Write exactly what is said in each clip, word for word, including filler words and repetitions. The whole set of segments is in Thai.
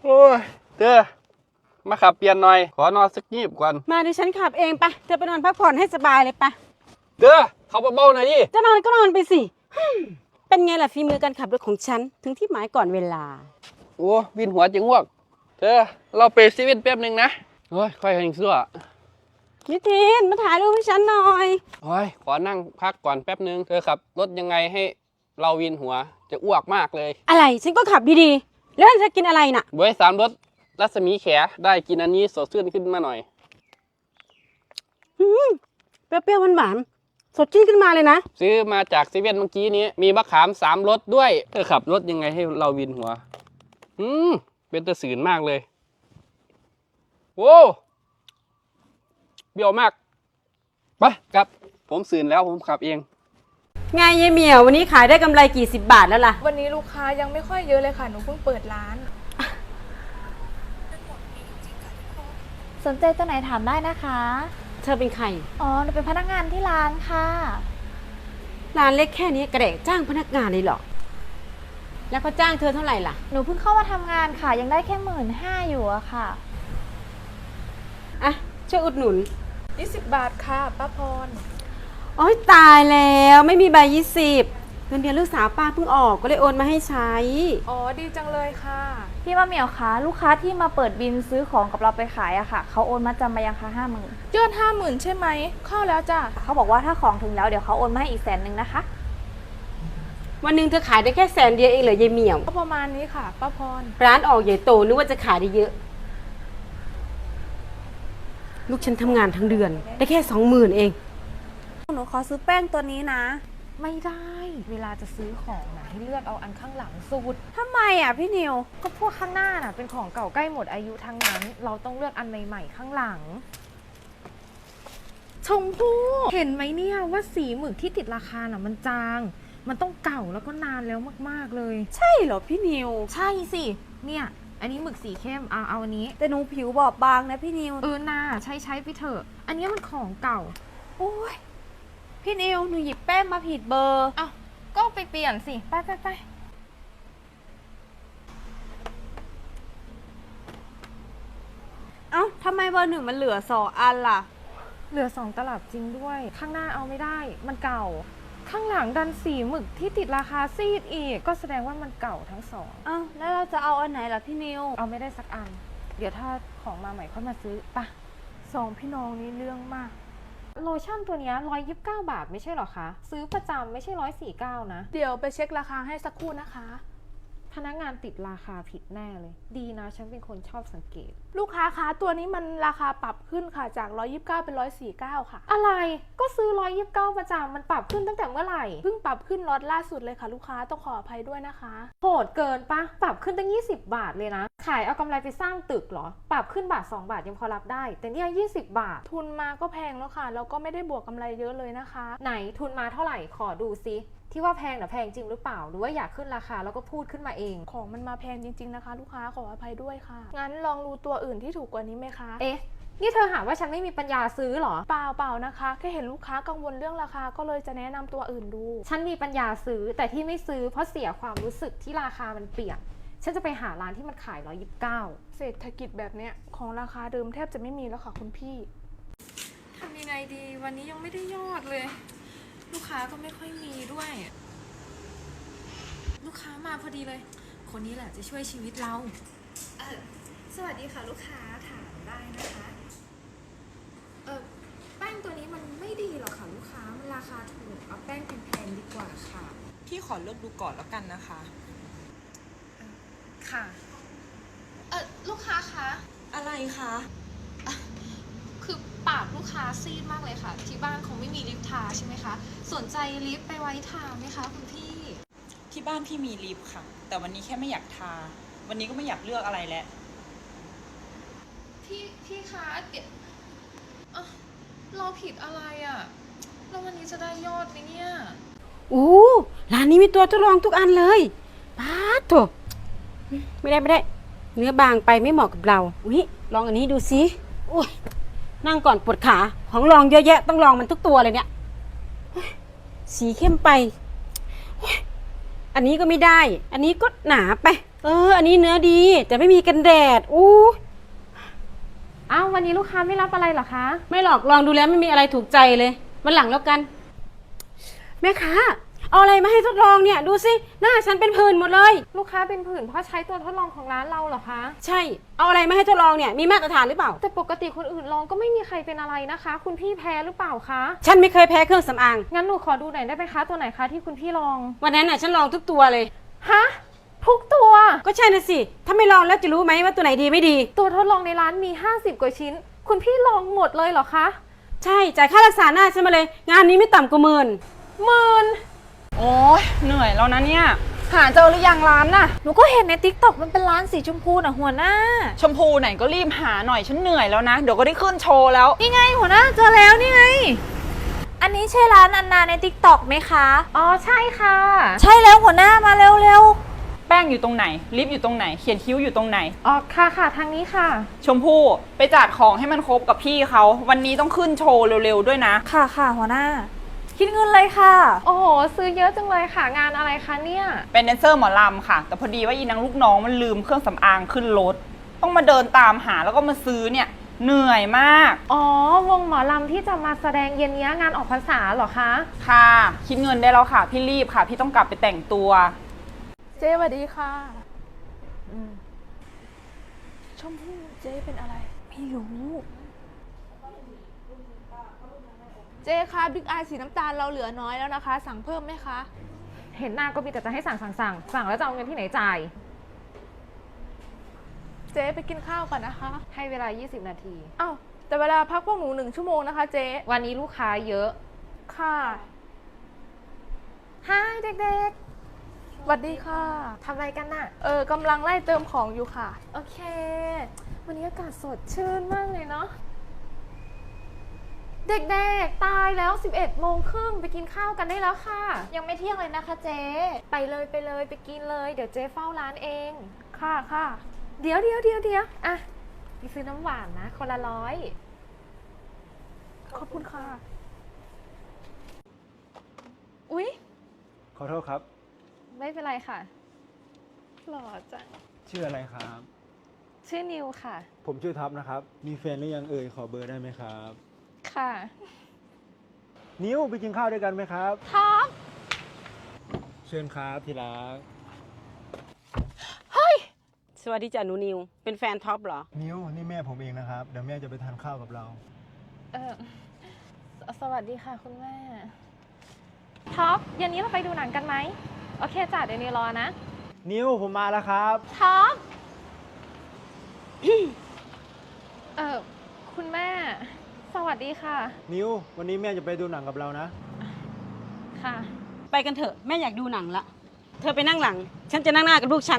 โอ้ยเธอมาขับเปลี่ยนหน่อยขอนอนสักยีบก่อนมาดิฉันขับเองไปเธอไปนอนพักผ่อนให้สบายเลยไปเธอเขาเบาๆหน่อยดิจะนอนก็นอนไปสิเป็นไงล่ะฝีมือการขับรถของฉันถึงที่หมายก่อนเวลาโอ้วินหัวจะง่วงเธอเราไปซีเว่นแป๊บนึงนะโอ้ยค่อยหิงซั่วนิทินมาถ่ายรูปให้ฉันหน่อยโอ้ยขอนั่งพักก่อนแป๊บนึงเธอขับรถยังไงให้เราวินหัวจะอ้วกมากเลยอะไรฉันก็ขับดีๆแล้วจะกินอะไรน่ะบวยสามรถรัศมีแขได้กินอันนี้สดชื่นขึ้นมาหน่อยเปรี้ยวๆหวานๆสดชื่นขึ้นมาเลยนะซื้อมาจากซีเว่นเมื่อกี้นี้มีมะขามสามรสด้วยเธอขับรถยังไงให้เราวินหัวอืมเป็นตะสืนมากเลยโว้เบี้ยวมากไปครับผมสื่นแล้วผมขับเองไงยายเหมียววันนี้ขายได้กำไรกี่สิบบาทแล้วล่ะวันนี้ลูกค้ายังไม่ค่อยเยอะเลยค่ะหนูเพิ่งเปิดร้านสนใจตัวไหนถามได้นะคะเธอเป็นใครอ๋อหนูเป็นพนักงานที่ร้านค่ะร้านเล็กแค่นี้กระเดกจ้างพนักงานเลยเหรอแล้วเขาจ้างเธอเท่าไหร่ล่ะหนูเพิ่งเข้ามาทำงานค่ะยังได้แค่หมื่นห้าอยู่อะค่ะอ่ะช่วยอุดหนุนยี่สิบบาทค่ะป้าพรโอ๊ยตายแล้วไม่มีใบยี่สิบเงินเดือนลูกสาวป้าเพิ่งออกก็เลยโอนมาให้ใช้อ๋อดีจังเลยค่ะพี่มะเหมียวคะลูกค้าที่มาเปิดบินซื้อของกับเราไปขายอะค่ะเขาโอนมาจำมายังคะห้าหมื่นยอดห้าหมื่นใช่ไหมเข้าแล้วจ้ะเขาบอกว่าถ้าของถึงแล้วเดี๋ยวเขาโอนมาให้อีกแสนหนึ่งนะคะวันหนึ่งเธอขายได้แค่แสนเดียวเองเหรอยายเหมียวก็ประมาณนี้ค่ะป้าพรร้านออกใหญ่โตนึกว่าจะขายได้เยอะลูกฉันทำงานทั้งเดือนได้แค่สองหมื่นเองหนูขอซื้อแป้งตัวนี้นะไม่ได้เวลาจะซื้อของนะให้เลือกเอาอันข้างหลังสุดทำไมอ่ะพี่นิวก็พวกข้างหน้าน่ะเป็นของเก่าใกล้หมดอายุทั้งนั้นเราต้องเลือกอันใหม่ๆข้างหลังชมพู่เห็นไหมเนี่ยว่าสีหมึกที่ติดราคาน่ะมันจางมันต้องเก่าแล้วก็นานแล้วมากๆเลยใช่เหรอพี่นิวใช่สิเนี่ยอันนี้หมึกสีเข้มเอาเอาอันนี้แต่หนูผิวบอบบางนะพี่นิวเออน่าใช้ใช้ไปเถอะอันนี้มันของเก่าโอ้ยพี่นิวหนูหยิบแป้งมาผิดเบอร์อ้าวก็ไปเปลี่ยนสิไปไปไปเอ้าทำไมเบอร์หนึ่งมันเหลือสองอันล่ะเหลือสองตลับจริงด้วยข้างหน้าเอาไม่ได้มันเก่าข้างหลังดันสีหมึกที่ติดราคาซีดอีกก็แสดงว่ามันเก่าทั้งสองอ้าวแล้วเราจะเอาอันไหนล่ะพี่นิวเอาไม่ได้สักอันเดี๋ยวถ้าของมาใหม่ค่อยมาซื้อปะสองพี่น้องนี้เรื่องมากโลชั่นตัวนี้ร้อยยี่สิบเก้าบาทไม่ใช่หรอคะซื้อประจำไม่ใช่ร้อยสี่เก้านะเดี๋ยวไปเช็คราคาให้สักครู่นะคะพนักงานติดราคาผิดแน่เลยดีนะฉันเป็นคนชอบสังเกตลูกค้าคะตัวนี้มันราคาปรับขึ้นค่ะจากร้อยยี่สิบเก้าเป็นร้อยสี่สิบเก้าค่ะอะไรก็ซื้อร้อยยี่สิบเก้าประจำมันปรับขึ้นตั้งแต่เมื่อไหร่เพิ่งปรับขึ้นล็อตล่าสุดเลยค่ะลูกค้าต้องขออภัยด้วยนะคะโหดเกินปะปรับขึ้นตั้งยี่สิบบาทเลยนะขายเอากำไรไปสร้างตึกเหรอปรับขึ้นบาทสองบาทยังพอรับได้แต่เนี่ยยี่สิบบาททุนมาก็แพงแล้วค่ะแล้วก็ไม่ได้บวกกำไรเยอะเลยนะคะไหนทุนมาเท่าไหร่ขอดูซิที่ว่าแพงน่ะแพงจริงหรือเปล่าหรือว่าอยากขึ้นราคาแล้วก็พูดขึ้นมาเองของมันมาแพงจริงๆนะคะลูกค้าขออภัยด้วยค่ะงั้นลองดูตัวอื่นที่ถูกกว่านี้ไหมคะเอ๊ะนี่เธอหาว่าฉันไม่มีปัญญาซื้อหรอเปล่าเปล่านะคะแค่เห็นลูกค้ากังวลเรื่องราคาก็เลยจะแนะนำตัวอื่นดูฉันมีปัญญาซื้อแต่ที่ไม่ซื้อเพราะเสียความรู้สึกที่ราคามันเปลี่ยนฉันจะไปหาร้านที่มันขายร้อยยี่สิบเก้าเศรษฐกิจแบบเนี้ยของราคาเดิมแทบจะไม่มีแล้วค่ะคุณพี่ทำยังไงดีวันนี้ยังไม่ได้ยอดเลยลูกค้าก็ไม่ค่อยมีด้วยลูกค้ามาพอดีเลยคนนี้แหละจะช่วยชีวิตเราเออสวัสดีค่ะลูกค้าถามได้นะคะเออแป้งตัวนี้มันไม่ดีหรอกค่ะลูกค้ามันราคาถูกเอาแป้งแพงๆดีกว่าค่ะพี่ขอเลือกดูก่อนแล้วกันนะคะค่ะเออลูกค้าคะอะไรคะคือปากลูกค้าซีดมากเลยค่ะที่บ้านคงไม่มีลิปทาใช่ไหมคะสนใจลิปไปไว้ทาไหมคะคุณพี่ที่บ้านพี่มีลิปค่ะแต่วันนี้แค่ไม่อยากทาวันนี้ก็ไม่อยากเลือกอะไรแล้วพี่พี่คะเดี๋ยวเราผิดอะไรอ่ะแล้ววันนี้จะได้ยอดไหมเนี่ยโอ้ร้านนี้มีตัวทดลองทุกอันเลยป้าโถไม่ได้ไม่ได้เนื้อบางไปไม่เหมาะกับเราอุ้ยลองอันนี้ดูสิอุ้ยนั่งก่อนปวดขาของลองเยอะแยะต้องลองมันทุกตัวเลยเนี่ยสีเข้มไปอันนี้ก็ไม่ได้อันนี้ก็หนาไปเออ อันนี้เนื้อดีแต่ไม่มีกันแดดอู้อ้าววันนี้ลูกค้าไม่รับอะไรเหรอคะไม่หรอกลองดูแล้วไม่มีอะไรถูกใจเลยวันหลังแล้วกัน แม่ค้าเอาอะไรมาให้ทดลองเนี่ยดูสิหน้าฉันเป็นผื่นหมดเลยลูกค้าเป็นผื่นเพราะใช้ตัวทดลองของร้านเราเหรอคะใช่เอาอะไรมาให้ทดลองเนี่ยมีมาตรฐานหรือเปล่าแต่ปกติคนอื่นลองก็ไม่มีใครเป็นอะไรนะคะ คุณพี่แพ้หรือเปล่าคะฉันไม่เคยแพ้เครื่องสำอางงั้นหนูขอดูหน่อยได้ไหมคะตัวไหนคะที่คุณพี่ลองวันนั้นน่ะฉันลองทุกตัวเลยฮะทุกตัวก็ใช่นะสิถ้าไม่ลองแล้วจะรู้ไหมว่าตัวไหนดีไม่ดีตัวทดลองในร้านมีห้าสิบกว่าชิ้น คุณพี่ลองหมดเลยเหรอคะใช่จ่ายค่ารักษาหน้าฉันมาเลย งานนี้ไม่ต่ำกว่าหมื่นหมื่นโอ้ยเหนื่อยแล้วนะเนี่ย หาเจอหรือยังร้านน่ะหนูก็เห็นในติ๊กต็อกมันเป็นร้านสีชมพูน่ะหัวหน้าชมพูไหนก็รีบหาหน่อยฉันเหนื่อยแล้วนะ เดี๋ยวก็ได้ขึ้นโชว์แล้วนี่ไงหัวหน้าเจอแล้วนี่ไง อันนี้ใช่ร้านอันนาในติ๊กต็อกไหมคะอ๋อใช่ค่ะใช่แล้วหัวหน้ามาเร็วแป้งอยู่ตรงไหน ลิปอยู่ตรงไหน เขียนคิ้วอยู่ตรงไหนอ๋อค่ะค่ะทางนี้ค่ะชมพู่ไปจัดของให้มันครบกับพี่เขา วันนี้ต้องขึ้นโชว์เร็วๆด้วยนะๆค่ะค่ะหัวหน้า คิดเงินเลยค่ะโอ้โหซื้อเยอะจังเลยค่ะงานอะไรคะเนี่ยเป็นแดนเซอร์หมอลำค่ะ แต่พอดีว่าอีนางลูกน้องมันลืมเครื่องสำอางขึ้นรถ ต้องมาเดินตามหาแล้วก็มาซื้อเนี่ย เหนื่อยมากอ๋อวงหมอลำที่จะมาแสดงเย็นนี้งานออกพรรษาเหรอคะค่ะ คิดเงินได้แล้วค่ะ พี่รีบค่ะ พี่ต้องกลับไปแต่งตัวเจ๊สวัสดีค่ะชมพู่เจ๊เป็นอะไรไม่รู้เจ๊คะบิ๊กอายสีน้ำตาลเราเหลือน้อยแล้วนะคะ สั่งเพิ่มไหมคะเห็นหน้าก็มีแต่จะให้สั่งสั่งสั่งสั่งแล้วจะเอาเงินที่ไหนจ่ายเจ๊ไปกินข้าวก่อนนะคะให้เวลา ยี่สิบ นาทีอ้าวแต่เวลาพักพวกหนูหนึ่งชั่วโมงนะคะเจ๊วันนี้ลูกค้าเยอะค่ะฮายเด็กสวัสดีค่ะๆทำอะไรกันน่ะเออกำลังไล่เติมของอยู่ค่ะโอเค วันนี้อากาศสดชื่นมากเลยเนาะ เด็กๆ ตายแล้ว สิบเอ็ดโมงครึ่งไปกินข้าวกันได้แล้วค่ะยังไม่เที่ยงเลยนะคะเจ๊ไปเลยไปเลยไปกินเลย เดี๋ยวเจ๊เฝ้าร้านเองค่ะค่ะเดี๋ยวเดี๋ยวเดี๋ยวเดี๋ยวอ่ะไปซื้อน้ำหวานนะ คนละร้อยขอบคุณค่ะอุ๊ยขอโทษครับไม่เป็นไรค่ะหล่อจังชื่ออะไรครับชื่อนิวค่ะผมชื่อท็อปนะครับ มีแฟนหรือยังเอ่ย ขอเบอร์ได้ไหมครับค่ะนิ้วไปกินข้าวด้วยกันไหมครับท็อปเชิญครับที่รักสวัสดีจ้ะหนูนิวเป็นแฟนท็อปเหรอนิ้วนี่แม่ผมเองนะครับ เดี๋ยวแม่จะไปทานข้าวกับเราเออสสวัสดีค่ะคุณแม่ ท็อปเย็นนี้เราไปดูหนังกันไหม โอเคจ้ะเดี๋ยวนิวรอนะนิ้วผมมาแล้วครับท็อป เออคุณแม่ สวัสดีค่ะนิ้ววันนี้แม่จะไปดูหนังกับเรานะค่ะไปกันเถอะแม่อยากดูหนังละเธอไปนั่งหลัง ฉันจะนั่งหน้ากับลูกฉัน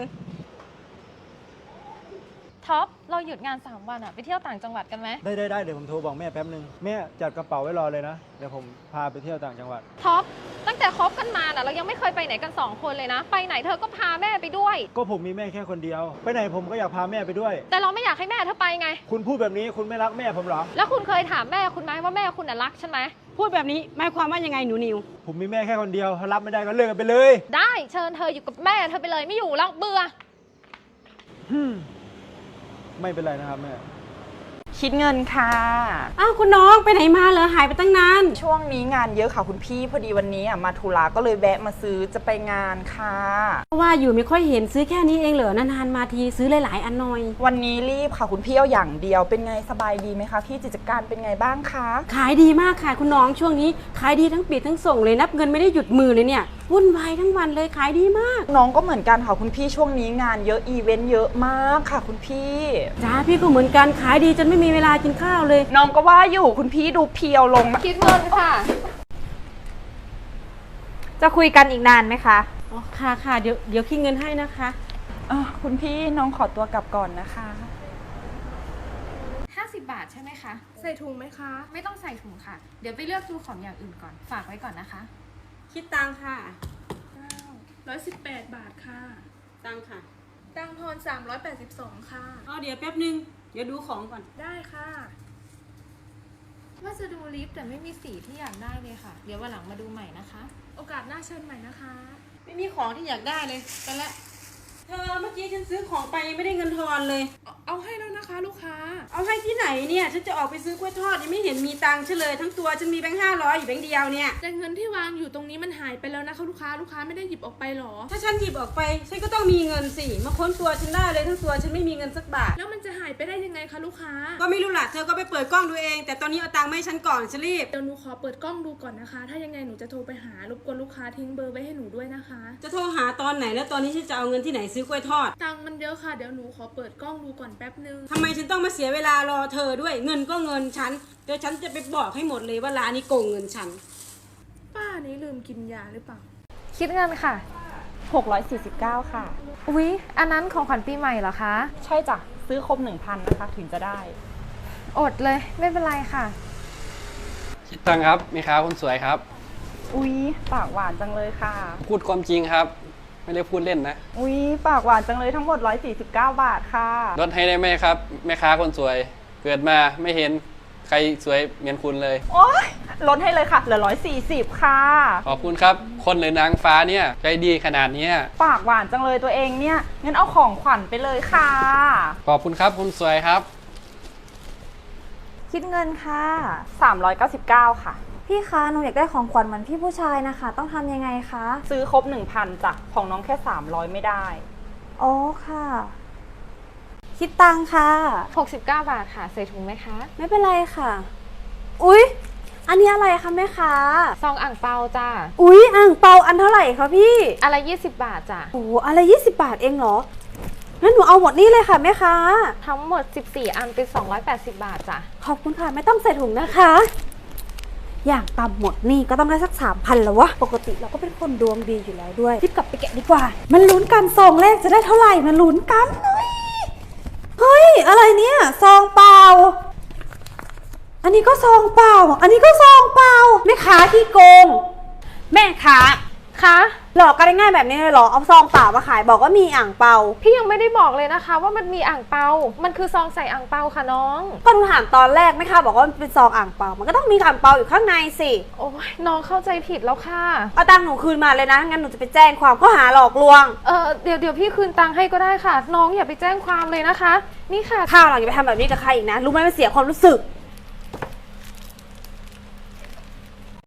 ท็อป เราหยุดงานสามวันอะไปเที่ยวต่างจังหวัดกันไหมได้ได้ได้เดี๋ยวผมโทรบอกแม่แป๊บนึง แม่จัดกระเป๋าไว้รอเลยนะ เดี๋ยวผมพาไปเที่ยวต่างจังหวัดท็อป ตั้งแต่คบกันมาน่ะเรายังไม่เคยไปไหนกันสองคนเลยนะ ไปไหนเธอก็พาแม่ไปด้วยก็ผมมีแม่แค่คนเดียว ไปไหนผมก็อยากพาแม่ไปด้วยแต่เราไม่อยากให้แม่เธอไปไงคุณพูดแบบนี้คุณไม่รักแม่ผมเหรอแล้วคุณเคยถามแม่คุณไหมว่าแม่คุณน่ะรักฉันไหมพูดแบบนี้หมายความว่ายังไงหนูนิวผมมีแม่แค่คนเดียวถ้ารับไม่ได้ก็เลิกกันไปเลยได้เชิญเธออยู่กับแม่เธอไปเลยไม่อยู่แล้วเบื่อฮึ่มไม่เป็นไรนะครับแม่คิดเงินค่ะอ้าวคุณน้องไปไหนมาเหรอหายไปตั้งนานช่วงนี้งานเยอะค่ะคุณพี่ พอดีวันนี้อ่ะมาธุระก็เลยแวะมาซื้อจะไปงานค่ะว่าอยู่ไม่ค่อยเห็นซื้อแค่นี้เองเหรอนานๆมาทีซื้อหลายๆอันหน่อยวันนี้รีบค่ะคุณพี่เอาอย่างเดียว เป็นไงสบายดีไหมคะพี่กิจการเป็นไงบ้างคะขายดีมากค่ะคุณน้องช่วงนี้ขายดีทั้งปิดทั้งส่งเลยนับเงินไม่ได้หยุดมือเลยเนี่ยวุ่นวายทั้งวันเลยขายดีมากน้องก็เหมือนกันค่ะคุณพี่ช่วงนี้งานเยอะอีเวนต์เยอะมากค่ะคุณพี่จ้าพี่ก็เหมือนกันขายดีจนไม่มีเวลากินข้าวเลยน้องก็ว่าอยู่คุณพี่ดูเพียวลงนะคิดเงินค่ะจะคุยกันอีกนานไหมคะอ๋อค่ะค่ะเดี๋ยวเดี๋ยวคิดเงินให้นะคะอ่ะคุณพี่น้องขอตัวกลับก่อนนะคะห้าสิบบาทใช่ไหมคะใส่ถุงไหมคะไม่ต้องใส่ถุงค่ะ เดี๋ยวไปเลือกดูของอย่างอื่นก่อน ฝากไว้ก่อนนะคะคิดตังค่ะร้อยสิบแปดบาทค่ะตังค่ะตังทอนสามร้อยแปดสิบสองค่ะอ๋อเดี๋ยวแป๊บนึงเดี๋ยวดูของก่อนได้ค่ะว่าจะดูลิปแต่ไม่มีสีที่อยากได้เลยค่ะ เดี๋ยววันหลังมาดูใหม่นะคะโอกาสหน้าเชิญใหม่นะคะไม่มีของที่อยากได้เลยไปละเธอเมื่อกี้ฉันซื้อของไปยังไม่ได้เงินทอนเลยเอาเอาให้แล้วนะคะ ลูกค้าเอาให้ที่ไหนเนี่ยฉันจะออกไปซื้อกล้วยทอดยังไม่เห็นมีตังค์ฉันเลยทั้งตัวฉันมีแบงค์ห้าร้อยอยู่แบงค์เดียวเนี่ยแต่เงินที่วางอยู่ตรงนี้มันหายไปแล้วนะคะลูกค้า ลูกค้าไม่ได้หยิบออกไปหรอถ้าฉันหยิบออกไปฉันก็ต้องมีเงินสิมาค้นตัวฉันได้เลยทั้งตัวฉันไม่มีเงินสักบาทแล้วมันจะหายไปได้ยังไงคะลูกค้าก็ไม่รู้ล่ะเธอก็ไปเปิดกล้องดูเอง แต่ตอนนี้เอาตังค์มาให้ฉันก่อนฉันรีบเดี๋ยวหนูขอเปิดกล้องดูก่อนนะคะ ถ้ายังไงหนูจะโทรไปหารบกวนลูกค้าทิ้งเบอร์ไว้ให้หนูด้วยนะคะจะโทรหาตอนไหนแล้วตอนนี้ฉันจะเอาเงินที่ไหนซื้อกล้วยทอดตังค์มันเยอะค่ะ เดี๋ยวหนูขอเปิดกล้องดูก่อนแป๊บนึงทำไมฉันต้องมาเสียเวลารอเธอด้วยเงินก็เงินฉันเดี๋ยวฉันจะไปบอกให้หมดเลยว่าร้านนี้โกงเงินฉันป้านี้ลืมกินยาหรือเปล่าคิดเงินค่ะหกร้อยสี่สิบเก้าค่ะอุ๊ย อันนั้นของขวัญปีใหม่เหรอคะใช่จ้ะ ซื้อครบหนึ่งพันนะคะถึงจะได้อดเลย ไม่เป็นไรค่ะคิดตังค์ครับแม่ค้าคนสวยครับอุ๊ย ปากหวานจังเลยค่ะพูดความจริงครับ ไม่ได้พูดเล่นนะอุ๊ย ปากหวานจังเลยทั้งหมดหนึ่งร้อยสี่สิบเก้าบาทค่ะลดให้ได้ไหมครับแม่ค้าคนสวย เกิดมาไม่เห็นใครสวยเหมือนคุณเลยโอ๊ย ลดให้เลยค่ะ เหลือหนึ่งร้อยสี่สิบค่ะขอบคุณครับ คนหรือนางฟ้าเนี่ยใจดีขนาดเนี้ยปากหวานจังเลยตัวเองเนี่ย งั้นเอาของขวัญไปเลยค่ะขอบคุณครับคุณสวยครับคิดเงินค่ะสามร้อยเก้าสิบเก้าค่ะพี่คะหนูอยากได้ของขวัญเหมือนพี่ผู้ชายนะคะ ต้องทำยังไงคะซื้อครบหนึ่งพันจ้ะ ของน้องแค่สามร้อยไม่ได้อ๋อค่ะ คิดตังค่ะหกสิบเก้าบาทค่ะ ใส่ถุงไหมคะไม่เป็นไรค่ะ อุ๊ย อันนี้อะไรคะแม่ค้าซองอ่างเปาจ้าอุ๊ยอ่างเปาอันเท่าไหร่คะพี่อะไรยี่สิบบาทจ้ะโอ้โหอะไรยี่สิบบาทเองเหรอ งั้นหนูเอาหมดนี่เลยค่ะแม่ค้าทั้งหมดสิบสี่อันเป็นสองร้อยแปดสิบบาทจ้ะขอบคุณค่ะไม่ต้องใส่ถุงนะคะ อย่างต่ำหมดนี่ก็ต้องได้สักสามพันแล้ววะ ปกติเราก็เป็นคนดวงดีอยู่แล้วด้วยรีบกลับไปแกะดีกว่า มันลุ้นกันซองแรกจะได้เท่าไหร่มันลุ้นกันเฮ้ยเฮ้ยอะไรเนี่ยซองเปล่า อันนี้ก็ซองเปล่า อันนี้ก็ซองเปล่าแม่ค้าที่โกง แม่ค้าคะหลอกกันได้ง่ายแบบนี้เลยเหรอเอาซองเปล่ามาขายบอกว่ามีอ่างเปาพี่ยังไม่ได้บอกเลยนะคะ ว่ามันมีอ่างเปา มันคือซองใส่อ่างเปาค่ะน้องก็หนูถามตอนแรกแม่ค้าบอกว่ามันเป็นซองอ่างเปา มันก็ต้องมีอ่างเปาอยู่ข้างในสิโอ้ยน้องเข้าใจผิดแล้วค่ะเอาตังค์หนูคืนมาเลยนะงั้นหนูจะไปแจ้งความข้อหาหลอกลวงเออเดี๋ยวเดี๋ยวพี่คืนตังค์ให้ก็ได้ค่ะ น้องอย่าไปแจ้งความเลยนะคะ นี่ค่ะข้าวหลังอย่าไปทำแบบนี้กับใครอีกนะรู้ไหมมันเสียความรู้สึก